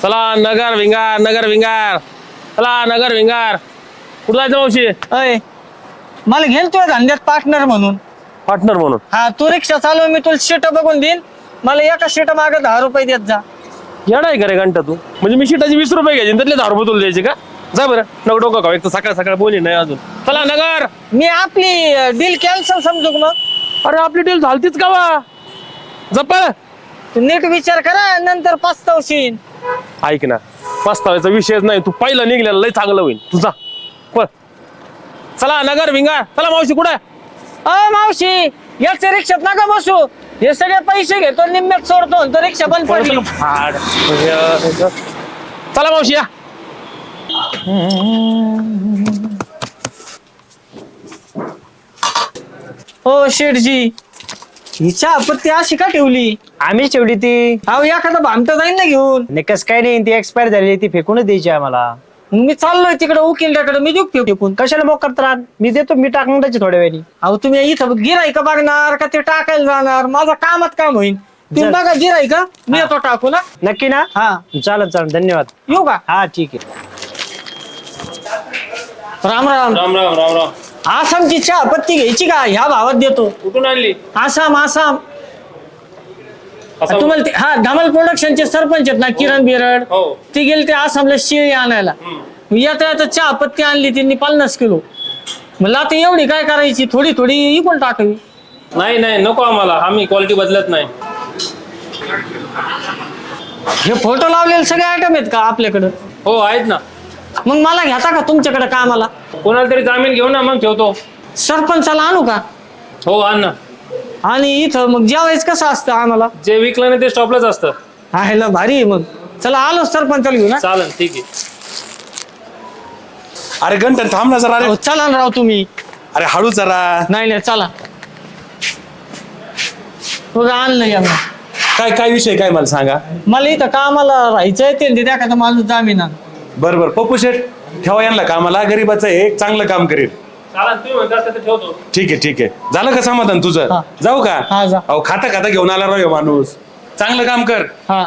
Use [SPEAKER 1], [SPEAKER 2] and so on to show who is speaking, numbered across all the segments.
[SPEAKER 1] चला नगर विंगार नगर विंगार. चला नगर विंगार. कुठं जायचं मावशी?
[SPEAKER 2] अय मला घेन तुझ्या धंद्यात पार्टनर म्हणून.
[SPEAKER 1] पार्टनर म्हणून?
[SPEAKER 2] हा तू रिक्षा चालव, मी तुला शीट बघून देईन. मला एका शीट मागे 10 रुपये देत जा.
[SPEAKER 1] येडा आहे का रे घंटा तू? म्हणजे मी शिटाची 20 रुपये घ्यायचे त्यातले 10 रुपये तुला द्यायचे का? जा बरं नको डोकं खाऊ, एक तर सकाळ सकाळ बोली नाही अजून. चला नगर.
[SPEAKER 2] मी आपली डील कॅन्सल समजू का मग?
[SPEAKER 1] अरे आपली डील झालतीच का वा? जपळ.
[SPEAKER 2] तू नीट विचार करा, नंतर पस्तावशील.
[SPEAKER 1] ऐक ना, पस्तावायचा विषयच नाही. तू पहिला निघलेला लय चांगलं होईल तुझा. पळ. चला नगर विंगार. चला मावशी कुठे?
[SPEAKER 2] मावशी याच्या रिक्षात नका बसू. हे सगळे पैसे घेतो निम्म्यात सोडतो तर रिक्षा बंद पडली.
[SPEAKER 1] चला मावशी या.
[SPEAKER 2] हो शेठजी, हिच्या आपत्ती अशी का ठेवली?
[SPEAKER 3] आम्हीच ठेवली ती.
[SPEAKER 2] अहो एखादा भामटा जाईल ना घेऊन.
[SPEAKER 3] निकस काय नाही, ती एक्सपायर झाली, ती फेकूनच द्यायची आम्हाला.
[SPEAKER 2] मग मी चाललोय तिकडे उकिलड्याकडे, मी देऊ फेकून.
[SPEAKER 3] कशाला मोक करतात? मी देतो, मी टाकून द्यायची थोड्या वेळी.
[SPEAKER 2] अहो तुम्ही इथं गिराईक बघणार का ते टाकायला जाणार? माझं कामात काम होईल. तुम्ही
[SPEAKER 3] जर-
[SPEAKER 2] बघा गिराईक, मी येतो टाकू ना.
[SPEAKER 3] नक्की ना?
[SPEAKER 2] हा
[SPEAKER 3] चालेल चालेल, धन्यवाद.
[SPEAKER 2] येऊ का?
[SPEAKER 3] हा ठीक आहे.
[SPEAKER 2] राम राम.
[SPEAKER 1] राम राम राम राम.
[SPEAKER 2] आसामची चहा पत्ती घ्यायची का? ह्या भावात देतो.
[SPEAKER 1] कुठून आणली?
[SPEAKER 2] आसाम आसाम.
[SPEAKER 1] असं
[SPEAKER 2] तुम्हाला हा धमाल प्रोडक्शनचे सरपंच आहेत ना किरण बिरड,
[SPEAKER 1] हो.
[SPEAKER 2] ते गेले ते आसामला शेळी आणायला. येता येता चहा पत्ती आणली त्यांनी 50 किलो. म्हणलं आता एवढी काय करायची, थोडी थोडी इकून टाकावी.
[SPEAKER 1] नाही नाही नको आम्हाला, आम्ही क्वालिटी बदलत नाही.
[SPEAKER 2] हे फोटो लावलेले सगळे आयटम आहेत का आपल्याकडं?
[SPEAKER 1] हो आहेत ना.
[SPEAKER 2] मग मला घेता का तुमच्याकडे कामाला?
[SPEAKER 1] कोणाला तरी जामीन घेऊ ना, मग ठेवतो.
[SPEAKER 2] सरपंचाला आणू का?
[SPEAKER 1] हो आण ना.
[SPEAKER 2] आणि इथं मग जेवायचं कसं असतं आम्हाला?
[SPEAKER 1] जे विकलं नाही ते स्टॉपलाच असतं.
[SPEAKER 2] आहे ना, भारी आहे. मग चला आलो सरपंचाला घेऊ ना.
[SPEAKER 1] चालेल ठीक आहे.
[SPEAKER 4] अरे घंटन थांब ना जरा. अरे
[SPEAKER 2] अहो, चला ना राव तुम्ही.
[SPEAKER 4] अरे हळू जरा.
[SPEAKER 2] नाही नाही चला. बघा आणलं या मग.
[SPEAKER 4] काय काय विषय काय मला सांगा.
[SPEAKER 2] मला इथं कामाला राहायचंय, ते द्या का माणूस जामीन आण.
[SPEAKER 4] बर बर पप्पू शेठ ठेवा यांना कामाला. गरीबाचं आहे, एक चांगलं काम करेल.
[SPEAKER 1] चालेल तुम्ही म्हणता तर ठेवतो.
[SPEAKER 4] ठीक आहे ठीक आहे. झालं का समाधान तुझं?
[SPEAKER 2] हा.
[SPEAKER 4] जाऊ का?
[SPEAKER 2] हा, जा.
[SPEAKER 4] अहो खाता खाता घेऊन आला राव ह्यो माणूस. चांगलं काम कर.
[SPEAKER 2] हा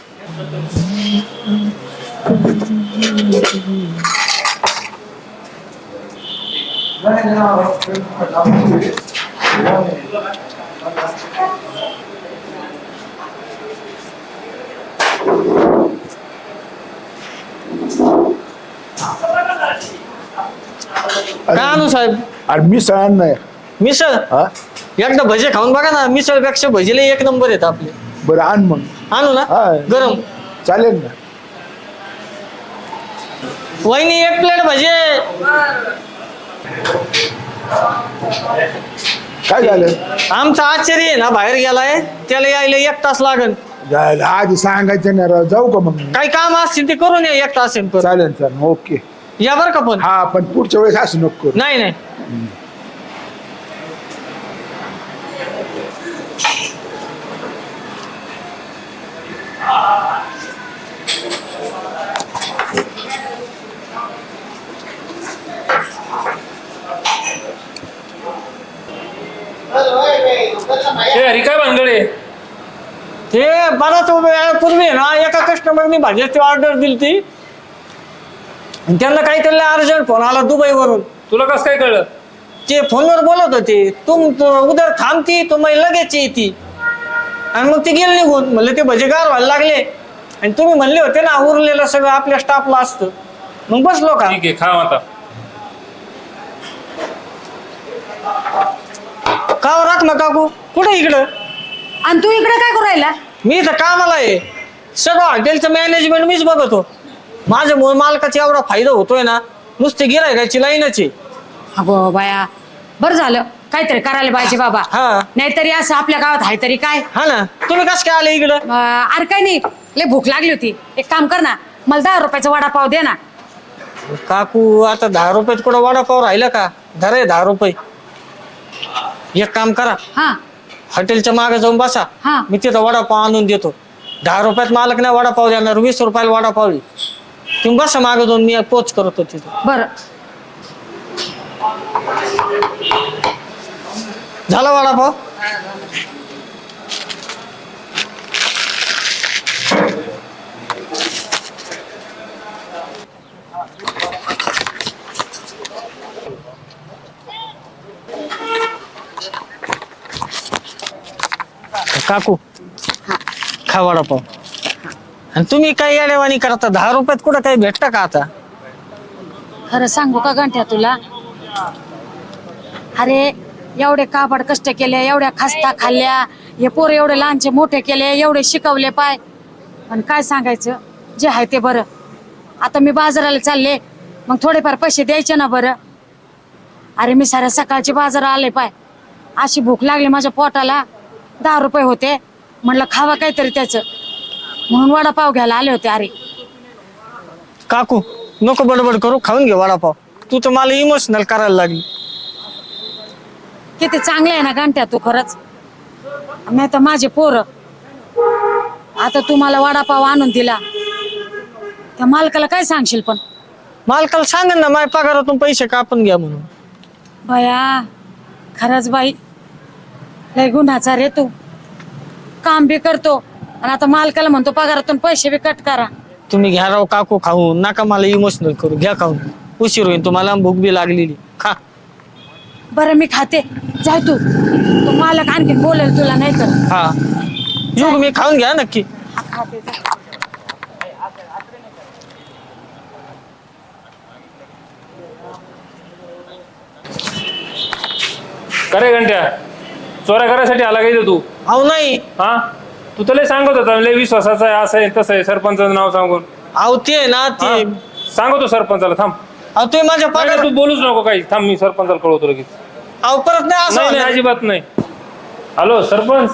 [SPEAKER 2] काय आणू साहेब?
[SPEAKER 5] अरे मिसळ आण नाही.
[SPEAKER 2] मिसळ
[SPEAKER 5] हा
[SPEAKER 2] एकदा भजे खाऊन बघा ना, मिसळपेक्षा भजीला एक नंबर येत आपले.
[SPEAKER 5] बरं आण मग.
[SPEAKER 2] आणू ना
[SPEAKER 5] हा.
[SPEAKER 2] गरम.
[SPEAKER 5] चालेल ना.
[SPEAKER 2] वहिनी एक प्लेट भजे.
[SPEAKER 5] काय झालं?
[SPEAKER 2] आमचा आश्चर्य आहे ना बाहेर गेलाय, त्याला यायला 1 तास लागेल.
[SPEAKER 5] झालं आधी सांगायचं नाही राव. जाऊ का मग?
[SPEAKER 2] काही काम असतील ते करून या 1 तास येईल.
[SPEAKER 5] चालेल चालेल ओके.
[SPEAKER 2] या बरं का पण.
[SPEAKER 5] हा पण पुढच्या वेळेस असं नको करू.
[SPEAKER 2] नाही नाही
[SPEAKER 1] अरे काय भानगडे?
[SPEAKER 2] ते बराच वेळापूर्वी आहे ना एका कस्टमरनी भाज्याची ऑर्डर दिली ती, आणि त्यांना काहीतरी अर्जंट फोन आला दुबईवरून.
[SPEAKER 1] तुला कसं काय कळलं?
[SPEAKER 2] ते फोनवर बोलत होते, तुम उदर थांबती तुम्ही लगेच येते. आणि मग ते गेले निघून. म्हणले ते भजे गार व्हायला लागले, आणि तुम्ही म्हणले होते ना उरलेलं सगळं आपल्या स्टाफला असतं. मग बसलो का.
[SPEAKER 1] ठीक आहे खा आता.
[SPEAKER 2] का राख ना काकू, कुठे इकडं?
[SPEAKER 6] आणि तू इकडे काय करू राहिला?
[SPEAKER 2] मी इथं कामाला आहे. सगळं हॉटेलचं मॅनेजमेंट मीच बघतो. माझ्यामुळे मालकाचा एवढा फायदा होतोय ना, नुसते गिरायकाची लाईनच आहे.
[SPEAKER 6] अगो बाया, बरं झालं काहीतरी करायला पाहिजे बाबा.
[SPEAKER 2] हा.
[SPEAKER 6] नाहीतरी असं आपल्या गावात आहे तरी काय.
[SPEAKER 2] हा ना, तुम्ही कसं काय आले इकडं?
[SPEAKER 6] अरे काय नाही, लय भूक लागली होती. एक काम कर ना, मला 10 रुपयाचा वडापाव दे ना.
[SPEAKER 2] काकू आता 10 रुपयात कुठं वडापाव राहिला का? धरे 10 रुपये. एक काम करा,
[SPEAKER 6] हा
[SPEAKER 2] हॉटेलच्या मागे जाऊन बसा.
[SPEAKER 6] हा.
[SPEAKER 2] मी तिथं वडापाव आणून देतो. 10 रुपयात मालक नाही वडापाव देणार, 20 रुपयाला वडापाव आहे. तुम्ही बसा मागे जाऊन, मी पोच करतो तिथं.
[SPEAKER 6] बरं.
[SPEAKER 2] झाला वडापाव? काकू खा वडापाव. आणि तुम्ही काय येडेवाणी करता? 10 रुपयात कुठं काही भेटतं का आता?
[SPEAKER 6] खरं सांगू का गंठ्या तुला? अरे एवढे काबाड कष्ट केले, एवढ्या खस्ता खाल्ल्या, हे पोर एवढे लहानचे मोठे केले, एवढे शिकवले पाय. पण काय सांगायचं, जे आहे ते बरं. आता मी बाजाराला चालले, मग थोडेफार पैसे द्यायचे ना बरं. अरे मी साऱ्या सकाळची बाजार आले पाय, अशी भूक लागली माझ्या पोटाला. 10 रुपये होते, म्हणलं खावा काहीतरी त्याचं, म्हणून वडापाव घ्यायला आले होते. अरे
[SPEAKER 2] काकू नको बडबड करू, खाऊन घे वडापाव. तू तर मला इमोशनल करायला लागली.
[SPEAKER 6] किती चांगले आहे ना गंठ्या तू खरंच. नाही तर माझे पोर. आता तू मला वडापाव आणून दिला, त्या मालकाला काय सांगशील? पण
[SPEAKER 2] मालकाला सांगेन ना माझ्या पगारातून पैसे कापून घ्या म्हणून.
[SPEAKER 6] बया खरंच बाई, लय गुन्हाचा रे तू. काम बी करतो आणि आता मालकाला म्हणतो पगारातून पैसे बी कट करा.
[SPEAKER 2] तुम्ही घ्या राव काकू खाऊन, नका मला इमोशनल करू. घ्या खाऊन, उशीर होईल तुम्हाला, भूक बी लागलेली. खा.
[SPEAKER 6] बरं मी खाते, जाय तू. तो मालक आणखी बोलेल तुला, नाही तर.
[SPEAKER 2] हा युग मी खाऊन घ्या नक्की.
[SPEAKER 6] खाते जा.
[SPEAKER 1] करे घंट्या चोऱ्या करायसाठी आला काय तू?
[SPEAKER 2] अहो नाही,
[SPEAKER 1] हा तू तर लय सांगत होता लय विश्वासाचं आहे, असं आहे तसं आहे, सरपंचाचं नाव सांगून.
[SPEAKER 2] अहो ते ना ते.
[SPEAKER 1] हा? सांगतो सरपंचाला. थांब.
[SPEAKER 2] अहो तुम्ही माझ्या
[SPEAKER 1] नाही,
[SPEAKER 2] पगार.
[SPEAKER 1] तू बोलूच नको काही. थांब, मी सरपंचाला कळवतो लगेच.
[SPEAKER 2] अहो परत नाही असं
[SPEAKER 1] नाही नाही,
[SPEAKER 2] होणार.
[SPEAKER 1] अजिबात नाही. हॅलो सरपंच.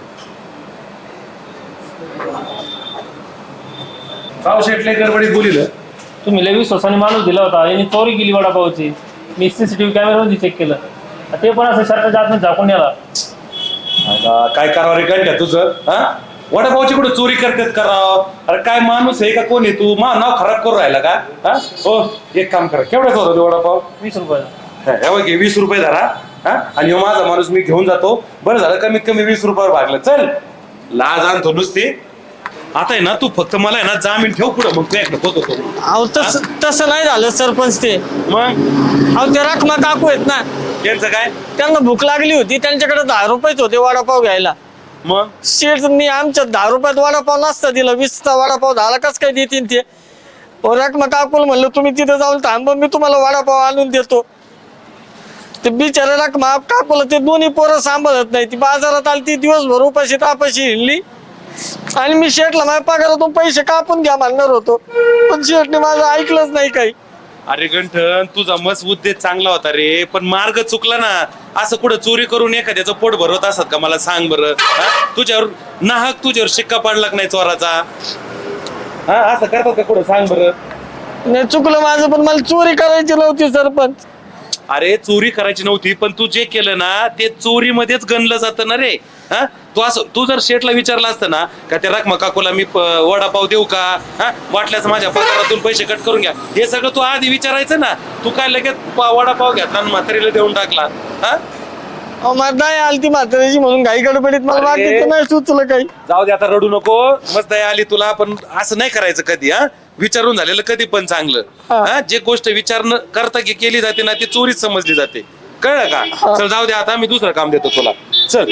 [SPEAKER 4] पाव शेटले गडबडीत बोलिलं.
[SPEAKER 1] तुम्ही लय विश्वासाने माणूस दिला होता, यांनी चोरी केली वडापावची. मी सीसीटीव्ही कॅमेरामध्ये चेक केलं, ते पण असं शर्टाच्या आतमध्ये झाकून नेला.
[SPEAKER 4] आता काय करावं रे गंठ्या तुझं? हा वडापावची कुठे चोरी करतात करावं? अरे काय माणूस आहे का कोण आहे तू? मा नाव खराब करून राहिला का? हा हो, एक काम करा. केवढ्याच होता ते वडापाव?
[SPEAKER 1] 20 रुपये.
[SPEAKER 4] हे बघ, 20 रुपये धरा. हा आणि ह्यो माझा माणूस मी घेऊन जातो. बरं झालं कमीत कमी 20 रुपयावर भागलं. चल लाज आणतो नुसती. आता आहे ना तू फक्त मला आहे ना जामीन ठेव पुढं, मग तू होतो.
[SPEAKER 2] अहो तसं नाही झालं सरपंच. ते
[SPEAKER 4] मग
[SPEAKER 2] अहो ते रखमा काकू आहेत ना,
[SPEAKER 4] त्यांचं काय?
[SPEAKER 2] त्यांना भूक लागली होती, त्यांच्याकडे 10 रुपयेच होते वडापाव घ्यायला.
[SPEAKER 4] मग
[SPEAKER 2] शेठनी आमच्या 10 रुपयात वडापाव नसता दिला, 20चा वडापाव 10ला कस काय देतील ते? रखमा काकूला म्हणलं तुम्ही तिथे जाऊन थांब, मी तुम्हाला वडापाव आणून देतो. ते बिचारा रखमा काकूला ते दोन्ही पोरं सांभाळत नाही. ती बाजारात आली, ती दिवसभर उपाशी तापाशी हिंडली. आणि मी शेठला माझ्या पगारातून पैसे कापून घ्या म्हणणार होतो, पण शेठने माझं ऐकलंच नाही काही.
[SPEAKER 4] अरे गंठन, तुझा मस्त उद्देश चांगला होता रे, पण मार्ग चुकला ना. असं कुठं चोरी करून एखाद्याचं पोट भरवत असत का? मला सांग बरं. तुझ्यावर नाहक तुझ्यावर शिक्का पाडला नाही चोराचा? हा असं करतात का कुठं? सांग बरं.
[SPEAKER 2] नाही चुकलं माझं, पण मला चोरी करायची नव्हती सरपंच.
[SPEAKER 4] अरे चोरी करायची नव्हती, पण तू जे केलं ना ते चोरीमध्येच गणलं जातं ना रे. हा तू जर शेठला विचारलं असतं ना का त्या रखमा काकूला मी वडापाव देऊ का, हा वाटल्यास माझ्या पगारातून पैसे कट करून घ्या, हे सगळं तू आधी विचारायचं ना. तू काय लगेच वडापाव घेतला आणि म्हातारीला देऊन टाकला. हा
[SPEAKER 2] मला नाही आलती म्हाताऱ्याची म्हणून घाई गडबडीत मला बाकीचं नाही सुचलं काही.
[SPEAKER 4] जाऊ दे आता, रडू नको. मस्त दया आली तुला, पण असं नाही करायचं कधी. हा विचारून झालेलं कधी पण चांगलं. हा जे गोष्ट विचार करता केली जाते ना ती चोरीच समजली जाते. कळलं का? चल जाऊ दे आता, मी दुसरं काम देतो तुला. चल.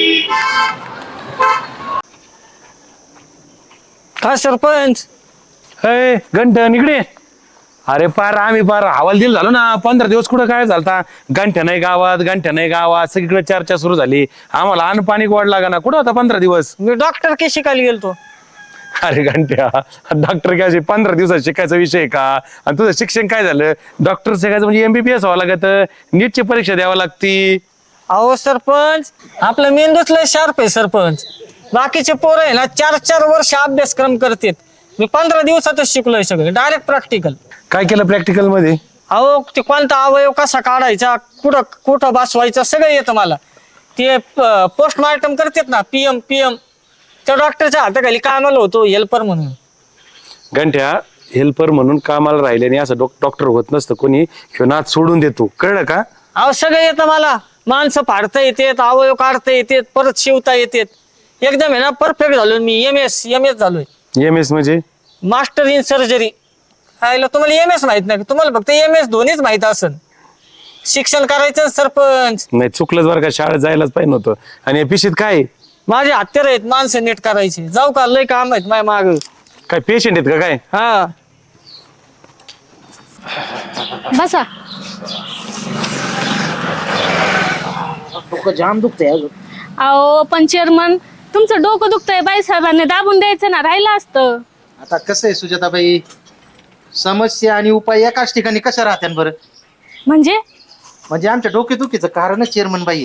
[SPEAKER 2] काय सरपंच?
[SPEAKER 4] हे गंठन इकडे. अरे आम्ही हवालदिल झालो ना. 15 दिवस कुठं काय झालता? गंठ्या नाही गावात सगळीकडे चर्चा सुरू झाली. आम्हाला अन्न पाणी गोड लागा ना. कुठं होता 15 दिवस?
[SPEAKER 2] मी डॉक्टर के शिकायला गेलतो.
[SPEAKER 4] अरे घंट्या, डॉक्टर काय 15 दिवसात शिकायचा विषय का? आणि तुझं शिक्षण काय झालं? डॉक्टर शिकायचं म्हणजे MBBS व्हावं लागत, नीटची परीक्षा द्यावं लागती.
[SPEAKER 2] अहो सरपंच, आपलं मेंदूच लय शार्प आहे सरपंच. बाकीचे पोरं आहे ना 4-4 वर्ष अभ्यासक्रम करतात. मी 15 दिवसातच शिकलोय सगळं, डायरेक्ट प्रॅक्टिकल.
[SPEAKER 4] काय केलं प्रॅक्टिकल मध्ये?
[SPEAKER 2] अहो ते कोणता अवयव कसा काढायचा, कुठं बसवायचा सगळं येतं मला. ते पोस्टमार्टम करतात ना, PM त्या डॉक्टरच्या हाताखाली कामाला होतो हेल्पर म्हणून.
[SPEAKER 4] घंट्या हेल्पर म्हणून कामाला राहिल्याने असं डॉक्टर होत नसतं कोणी. ह्यो नाद सोडून देतो, कळलं का?
[SPEAKER 2] अहो सगळं येतं मला. माणसं फाडता येतात, अवयव काढता येतात, परत शिवता येतात. एकदम आहे ना परफेक्ट झालोय मी. MS झालोय.
[SPEAKER 4] MS म्हणजे?
[SPEAKER 2] Master in surgery. तुम्हाला MS माहित नाही? तुम्हाला फक्त MS दोन्हीच माहित असेल. शिक्षण करायचं सरपंच.
[SPEAKER 4] नाही चुकलंच बरं का, शाळेत जायलाच पाहिजे नव्हतं. आणि या पिशीत काय?
[SPEAKER 2] माझे हत्यार आहेत माणसं नीट करायचे. जाऊ का? लय काम आहेत माझ्या माग.
[SPEAKER 1] काय पेशंट आहेत का काय?
[SPEAKER 2] हा
[SPEAKER 6] बसा.
[SPEAKER 3] जाम दुखतंय अजून.
[SPEAKER 7] अहो पण चेअरमन तुमचं डोकं दुखतंय, बाईसाहेबांनी दाबून द्यायचं ना, राहिलं असतं.
[SPEAKER 8] आता कसं आहे सुजाताबाई, समस्या आणि उपाय एकाच ठिकाणी कशा राहत्यान बरं?
[SPEAKER 7] म्हणजे
[SPEAKER 8] आमच्या डोकेदुखीचं कारणच चेअरमन बाई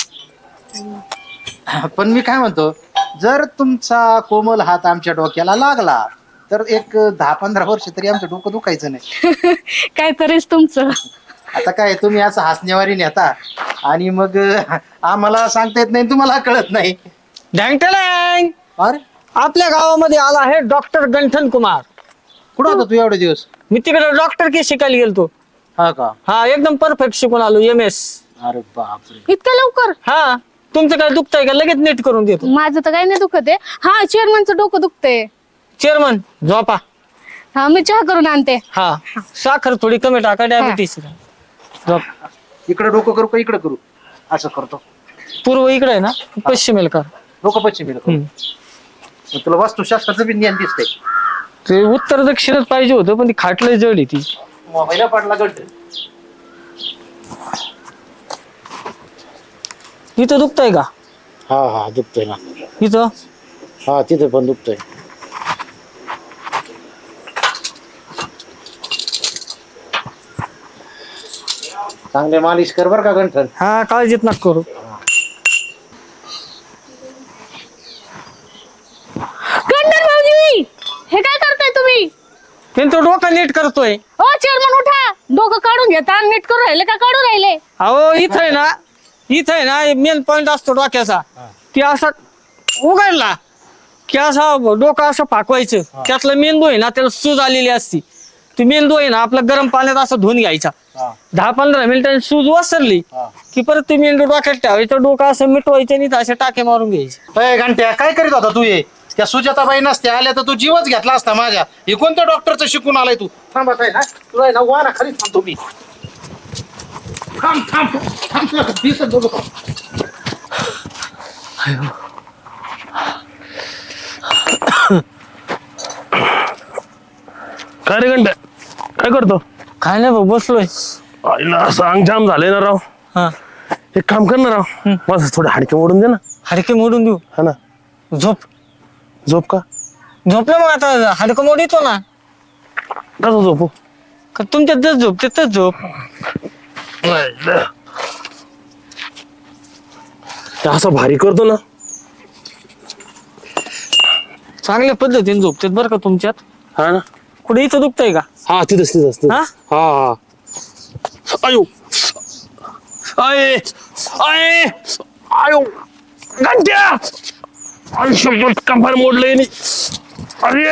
[SPEAKER 8] आहेत. पण मी काय म्हणतो, जर तुमचा कोमल हात आमच्या डोक्याला लागला तर एक 10-15 वर्ष तरी आमचं डोकं दुखायचं नाही.
[SPEAKER 7] काय तरीच तुमचं.
[SPEAKER 8] आता काय तुम्ही असं हसण्यावारी नेता आणि मग आम्हाला सांगता येत नाही, तुम्हाला कळत नाही.
[SPEAKER 2] ढँगटँग.
[SPEAKER 8] अरे
[SPEAKER 2] आपल्या गावामध्ये आला आहे डॉक्टर गंठन कुमार.
[SPEAKER 8] कुठं होता तू एवढे दिवस?
[SPEAKER 2] मी तिकडे डॉक्टर की शिकायला गेलतो.
[SPEAKER 8] हा का?
[SPEAKER 2] हा एकदम परफेक्ट शिकून आलो MS.
[SPEAKER 8] अरे बापरे.
[SPEAKER 7] इतकं लवकर?
[SPEAKER 2] हा तुमचं काय दुखतंय का? लगेच नीट करून देतो.
[SPEAKER 7] माझं तर काही नाही दुखत आहे. हा चेअरमनचं डोकं दुखतंय.
[SPEAKER 2] चेअरमन झोपा.
[SPEAKER 7] हा मी चहा करून आणते.
[SPEAKER 2] हा साखर थोडी कमी टाका, डायबिटीस. झोप.
[SPEAKER 8] इकडे डोकं करू का इकडे करू? असं करतो.
[SPEAKER 2] पूर्व इकडे आहे ना, पश्चिमेल कर.
[SPEAKER 8] डोकं पश्चिम तुला वास्तुशास्त्राचं बी ज्ञान दिसतंय.
[SPEAKER 2] ते उत्तर दक्षिणच पाहिजे होतं, पण ती खाटलंय जड आहे ती.
[SPEAKER 8] मोबाईलला पडला गट.
[SPEAKER 2] इथं दुखतंय का?
[SPEAKER 8] हा दुखतोय ना.
[SPEAKER 2] इथं
[SPEAKER 8] हा तिथे पण दुखतोय. चांगले मालिश कर बर का गंठन.
[SPEAKER 2] हा काळजीत नका करू.
[SPEAKER 7] गंडन भाऊजी, हे काय करताय तुम्ही?
[SPEAKER 2] त्यांचं डोकं नीट करतोय.
[SPEAKER 7] ओ चेअरमन उठा, डोकं काढून घेता, नीट करून राहिले का काढून राहिले?
[SPEAKER 2] अहो इथं आहे ना मेन पॉइंट असतो डोक्याचा. ती असा उघडला की असा डोकं असं फाकवायचं. त्यातला मेंदू आहे ना, त्याला सूज आलेली असती. ती मेंदू आहे ना आपला गरम पाण्यात असं धुवून घ्यायचा. 10-15 मिनिटांनी सूज वसरली की परत ती मेंदू डोक्यात ठेवायचं. डोकं असं मिटवायचं आणि असे टाके मारून घ्यायचे.
[SPEAKER 8] अय घंट्या, काय करीत होता तू? ये त्या सुजाताबाई नसते आल्या तर तू जीवच घेतला असता माझ्या. हे कोणत्या डॉक्टरचं शिकून आलाय तू? थांबा काय ना, तुला आहे ना वाना खरी थांबतो मी. थांब थांब थांब, तुला दिसत बघू का?
[SPEAKER 1] काय रे घंटा, काय करतो?
[SPEAKER 2] काय नाही भाऊ, बसलोय.
[SPEAKER 1] आईला असं अंग जाम झालंय ना राव.
[SPEAKER 2] हा
[SPEAKER 1] एक काम कर ना राव, माझं थोडं हाडके मोडून दे ना.
[SPEAKER 2] हाडके मोडून देऊ?
[SPEAKER 1] हा ना.
[SPEAKER 2] झोप.
[SPEAKER 1] झोप का?
[SPEAKER 2] झोपलं मग आता हाडकं मोडीतो ना.
[SPEAKER 1] कसं झोपू?
[SPEAKER 2] का तुमच्यात जस झोप तिथंच झोप.
[SPEAKER 1] ते असं भारी करतो ना.
[SPEAKER 2] चांगल्या पद्धतीने झोपतात बरं का तुमच्यात.
[SPEAKER 1] हा ना.
[SPEAKER 2] कुठे इथं दुखतंय का?
[SPEAKER 1] हा तिथंच
[SPEAKER 2] हा?
[SPEAKER 1] हा. आयो आय आय आयो घंट्या, आयुष्यभर कंबर मोडलंय नी. अरे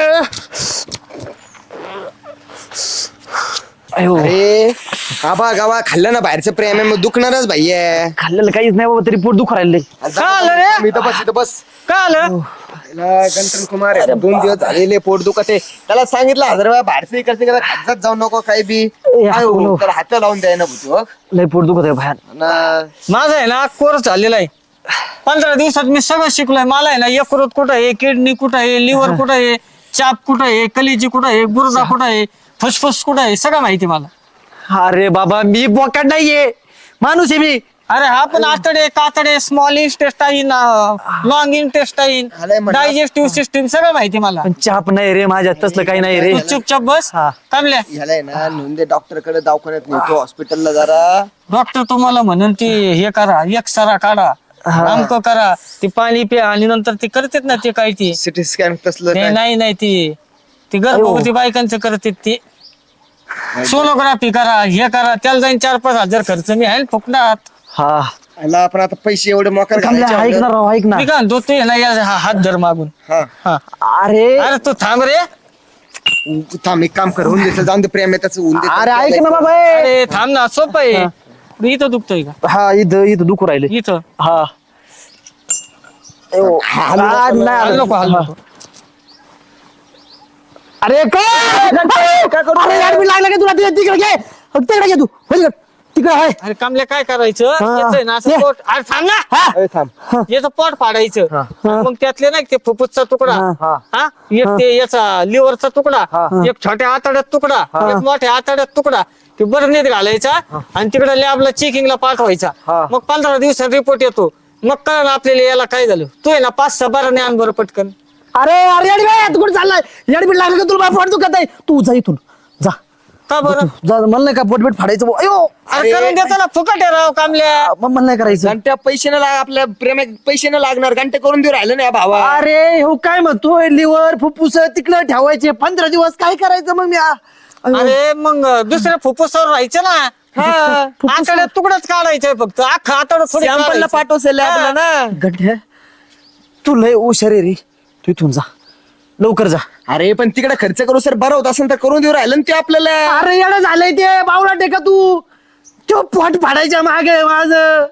[SPEAKER 2] अयो
[SPEAKER 9] अरे आबा गावा खाल्लं ना बाहेरचं प्रेम आहे, मग दुखणारच भाई आहे.
[SPEAKER 3] खाल्लेलं काहीच नाही बाबा, तरी पोट दुखू राहिले.
[SPEAKER 2] का आलं रे?
[SPEAKER 9] मी तर बस इथं बस.
[SPEAKER 2] का आलं?
[SPEAKER 9] गंठन कुमार आहे, 2 दिवस झालेले पोट दुखत आहे. त्याला सांगितलं 1000 वेळा बाहेरचं इकडचं इकडं खात जाऊ नको काही बी. काय हो, त्याला हात लावून द्याय ना भूतो.
[SPEAKER 3] लय पोट दुखत आहे बाहेर.
[SPEAKER 2] माझं आहे ना कोर्स झालेला आहे. 15 दिवसात मी सगळं शिकलोय. मला आहे ना यकृत कुठं आहे, किडनी कुठं आहे, लिव्हर कुठं आहे, चाप कुठं आहे, कलिजी कुठं आहे, गुर्दा कुठं आहे, फुसफुस कुठं आहे, सगळं माहिती मला.
[SPEAKER 3] अरे बाबा मी बोकाड नाहीये, माणूस आहे मी.
[SPEAKER 2] अरे हा पण आतडे कातडे, small intestine, long intestine, digestive system सगळं माहिती मला.
[SPEAKER 3] पण चाप नाही रे माझ्यात, तसलं काही नाही रे.
[SPEAKER 2] तू चुपचाप बस.
[SPEAKER 3] हा.
[SPEAKER 2] थांबल्या.
[SPEAKER 9] ह्याला आहे ना नोंदे डॉक्टर कडे दवाखान्यात नेतो, हॉस्पिटलला जरा.
[SPEAKER 2] डॉक्टर तुम्हाला म्हणून ती हे करा, एक्सरा काढा, अमक करा, ती पाणी प्या आणि नंतर ते करतात ना ते काय ते.
[SPEAKER 9] सिटी स्कॅन तसलं
[SPEAKER 2] ते
[SPEAKER 9] काय?
[SPEAKER 2] नाही ती गर्भवती बायकांचं करतात ते. सोनोग्राफी करा, हे करा, त्याला जाईन 4-5 हजार खर्च. मी आहे फुकटात.
[SPEAKER 3] हा
[SPEAKER 9] ह्याला आपण आता पैसे एवढे मोकार
[SPEAKER 3] ऐक ना
[SPEAKER 9] घालायचे.
[SPEAKER 3] राव, ऐक ना.
[SPEAKER 2] मी काय म्हणतो ते ना या हात धर मागून.
[SPEAKER 9] हा
[SPEAKER 2] हा.
[SPEAKER 3] अरे
[SPEAKER 2] अरे तू थांब रे.
[SPEAKER 9] थांब, एक काम कर, होऊन देतं, जाऊन दे, प्रेम आहे त्याचं, होऊन दे.
[SPEAKER 3] अरे ऐक ना बाबा.
[SPEAKER 2] अरे थांब ना, सोपं आहे. इथं दुखतोय का?
[SPEAKER 3] हा इथं दुखू राहिले.
[SPEAKER 2] इथं
[SPEAKER 3] हा
[SPEAKER 2] हाल नको, हाल नको.
[SPEAKER 3] अरे काय करू? अरे यार मी लागला का तुला? तिकडे घे, तिकडे घे तू. तिकडे आहे
[SPEAKER 2] अरे कामल्या काय करायचं याचं आहे ना असं
[SPEAKER 3] ये.
[SPEAKER 2] पोट अरे थांब ना
[SPEAKER 9] अरे थांब
[SPEAKER 2] याचं पोट फाडायचं आणि मग त्यातले नाही ते फुफ्फुसचा तुकडा हा एक ते याचा लिव्हरचा तुकडा एक छोट्या आतड्यात तुकडा एक मोठ्या आतड्यात तुकडा ते बरणीत घालायचा आणि तिकडे लॅबला चेकिंगला पाठवायचा मग 15 दिवसात रिपोर्ट येतो मग कळलं आपल्याला याला काय झालं तू आहे ना 5-6 बरं आण बरं पटकन.
[SPEAKER 3] अरे अरे अरे तू कुठे चाललाय येडबीड लागलं का तुला पोट दुखत आहे तू जा इथून जा
[SPEAKER 2] का बरं
[SPEAKER 3] जा मला नाही का पोटबीट फाडायचं बुवा. अयो
[SPEAKER 2] अरे करून देतो ना फुकट आहे राव कामल्या.
[SPEAKER 3] मला नाही करायचं
[SPEAKER 9] घंट्या पैसे न लाग आपल्या प्रेमात पैसे न लागणार घंटे करून देऊ राहिलं ना भावा.
[SPEAKER 3] अरे हो काय म्हणतोय लिव्हर फुफ्फुस तिकडे ठेवायचे 15 दिवस काय करायचं मग मी
[SPEAKER 2] अरे मग दुसऱ्या फुफ्फुसावर राहायचं ना आतड्यात तुकडाच काढायचंय फक्त अख्खा आतड
[SPEAKER 9] सॅम्पलला पाठवसेल आपला ना.
[SPEAKER 3] गड्या तू लय हुशार आहे रे तू इथून जा लवकर जा.
[SPEAKER 9] अरे पण तिकडे खर्च करू सर बरं होत असेल तर करून देऊ राहिलं ना ते आपल्याला.
[SPEAKER 3] अरे येडं झालंय ते बावळा टेका तू तो पोट फाडायच्या मागे माझ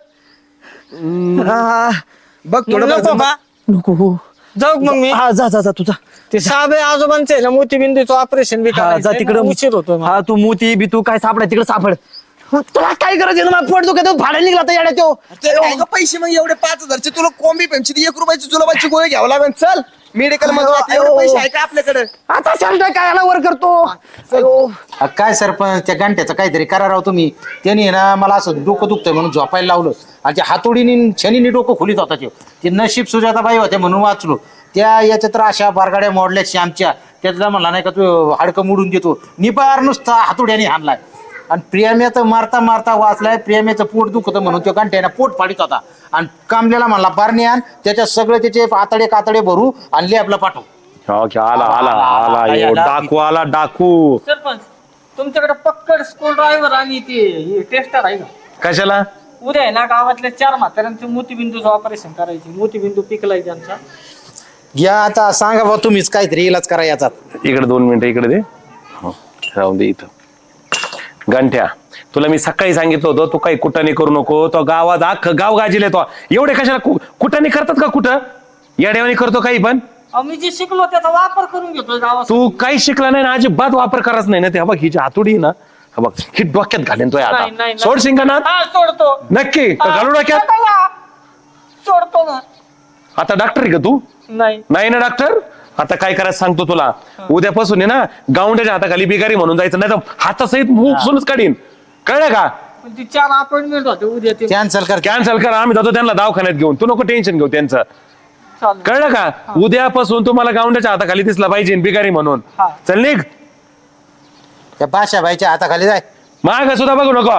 [SPEAKER 9] बघ थोडं
[SPEAKER 2] नको का
[SPEAKER 3] नको
[SPEAKER 2] जाऊ मग मी
[SPEAKER 3] हा जा जा जा तुझा
[SPEAKER 2] ते साबे आजोबांचे आहे ना मोतीबिंदूचं ऑपरेशन बी
[SPEAKER 3] हा जा
[SPEAKER 2] करायचंय
[SPEAKER 3] तिकडे
[SPEAKER 2] ना, उशीर होतो
[SPEAKER 3] हा तू मोती बी तू काय सापडाय तिकडे सापड तुला काय करायचं ना पोट दुखत फाडायला निघला तर येड्या तो
[SPEAKER 9] पैसे मग एवढे 5,000चे तुला कोंबी पेमची 1 रुपयाची जुलाबाची गोळी घ्यावं लागेल. चल मेडिकल मध्ये एवढे पैसे आहे का आपल्याकडे.
[SPEAKER 3] आता सांगतोय काय याला वर करतो
[SPEAKER 8] काय सरपंच त्या घंट्याचं काहीतरी करा राव तुम्ही. त्यांनी ना मला असं डोकं दुखतंय म्हणून झोपायला लावलं आणि त्या हातोडीने शनीने डोकं खोलीत होता ते नशीब सुजाताबाई होते म्हणून वाचलो. त्या याच्या तर अशा बारगाड्या मोडल्या श्यामच्या त्यातला म्हणला नाही का तू हाडकं मोडून देतो निबार नुसता हातोड्याने हाणलाय आणि प्रेम्याचं मारता मारता वाचलाय. प्रेम्याचं पोट दुखतं म्हणून तो घंट्याने पोट फाडीत होता आणि कामल्याला म्हणला बारणी आण त्याच्यात सगळे त्याचे आतडे कातडे भरू आणि लॅबला पाठव.
[SPEAKER 1] आला आला आला यो डाकू आला डाकू.
[SPEAKER 2] सरपंच तुमच्याकडे पक्कड स्कूल ड्रायव्हर आणि ते टेस्टर आहे का
[SPEAKER 1] कशाला
[SPEAKER 2] उद्या आहे ना गावातल्या 4 म्हाताऱ्यांचं मोतीबिंदूचं ऑपरेशन करायचे मोतीबिंदू पिकलाय त्यांचा.
[SPEAKER 8] घ्या आता सांगा बा तुम्हीच काहीतरी इलाज करा याचा.
[SPEAKER 1] इकडे 2 मिनिटं इकडे दे राहून दे इथं. गंठ्या तुला मी सकाळी सांगितलं होतं तू काही कुटाने करू नको. तो गावात अख्खं गाव गाजील तो एवढे कशाला कुटाने करतात का कुठं येड्यावानी करतो काही पण.
[SPEAKER 2] मी जे शिकलो त्याचा वापर करून घेतोय गावात.
[SPEAKER 1] तू काही शिकला नाही ना अजिबात वापर करायच नाही ना ते. हा बघ हिची हातोडी ना हा बघ ही डोक्यात घालेन तो
[SPEAKER 2] नाही,
[SPEAKER 1] आता
[SPEAKER 2] नाही.
[SPEAKER 1] सोड शिंगाना
[SPEAKER 2] हा सोडतो
[SPEAKER 1] नक्की का घालू डोक्यात.
[SPEAKER 2] सोडतो ना.
[SPEAKER 1] आता डॉक्टर आहे का तू
[SPEAKER 2] नाही
[SPEAKER 1] नाही ना डॉक्टर. आता काय करायचं सांगतो तुला उद्यापासून आहे ना गावंड्याच्या हाताखाली बिगारी म्हणून जायचं नाही तर हातासहित मुखसूनच काढीन कळलं का.
[SPEAKER 2] पण ती 4 अपॉइंटमेंट होते उद्या ते
[SPEAKER 8] कॅन्सल कर.
[SPEAKER 1] कॅन्सल कर आम्ही जातो त्यांना दवाखान्यात घेऊन. तू नको टेन्शन घेऊ त्यांचं
[SPEAKER 2] चालेल.
[SPEAKER 1] कळलं का. उद्यापासून तुम्हाला गावंड्याच्या हाताखाली दिसला पाहिजे बिगारी म्हणून.
[SPEAKER 2] हा.
[SPEAKER 1] चल निघ
[SPEAKER 8] त्या बाशाबाईच्या हाताखाली जाय.
[SPEAKER 1] माग सुद्धा बघू नको.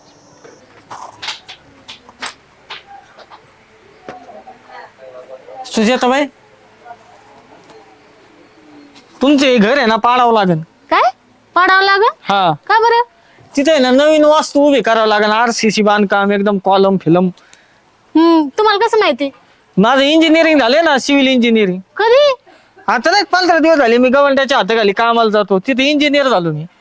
[SPEAKER 2] सुजाताबाई तुमचे घर आहे ना पाडावं लागेल.
[SPEAKER 7] काय पाडावं लागल
[SPEAKER 2] हा
[SPEAKER 7] का बरं.
[SPEAKER 2] तिथे आहे ना नवीन वास्तू उभी करावं लागेल. RCC बांधकाम एकदम कॉलम फिलम.
[SPEAKER 7] तुम्हाला कसं माहिती.
[SPEAKER 2] माझं इंजिनिअरिंग झाले ना सिव्हिल इंजिनिअरिंग.
[SPEAKER 7] कधी
[SPEAKER 2] आता नाही 15 दिवस झाले मी गव्हर्नमेंटच्या हाताखाली कामाला जातो तिथे इंजिनियर झालो मी.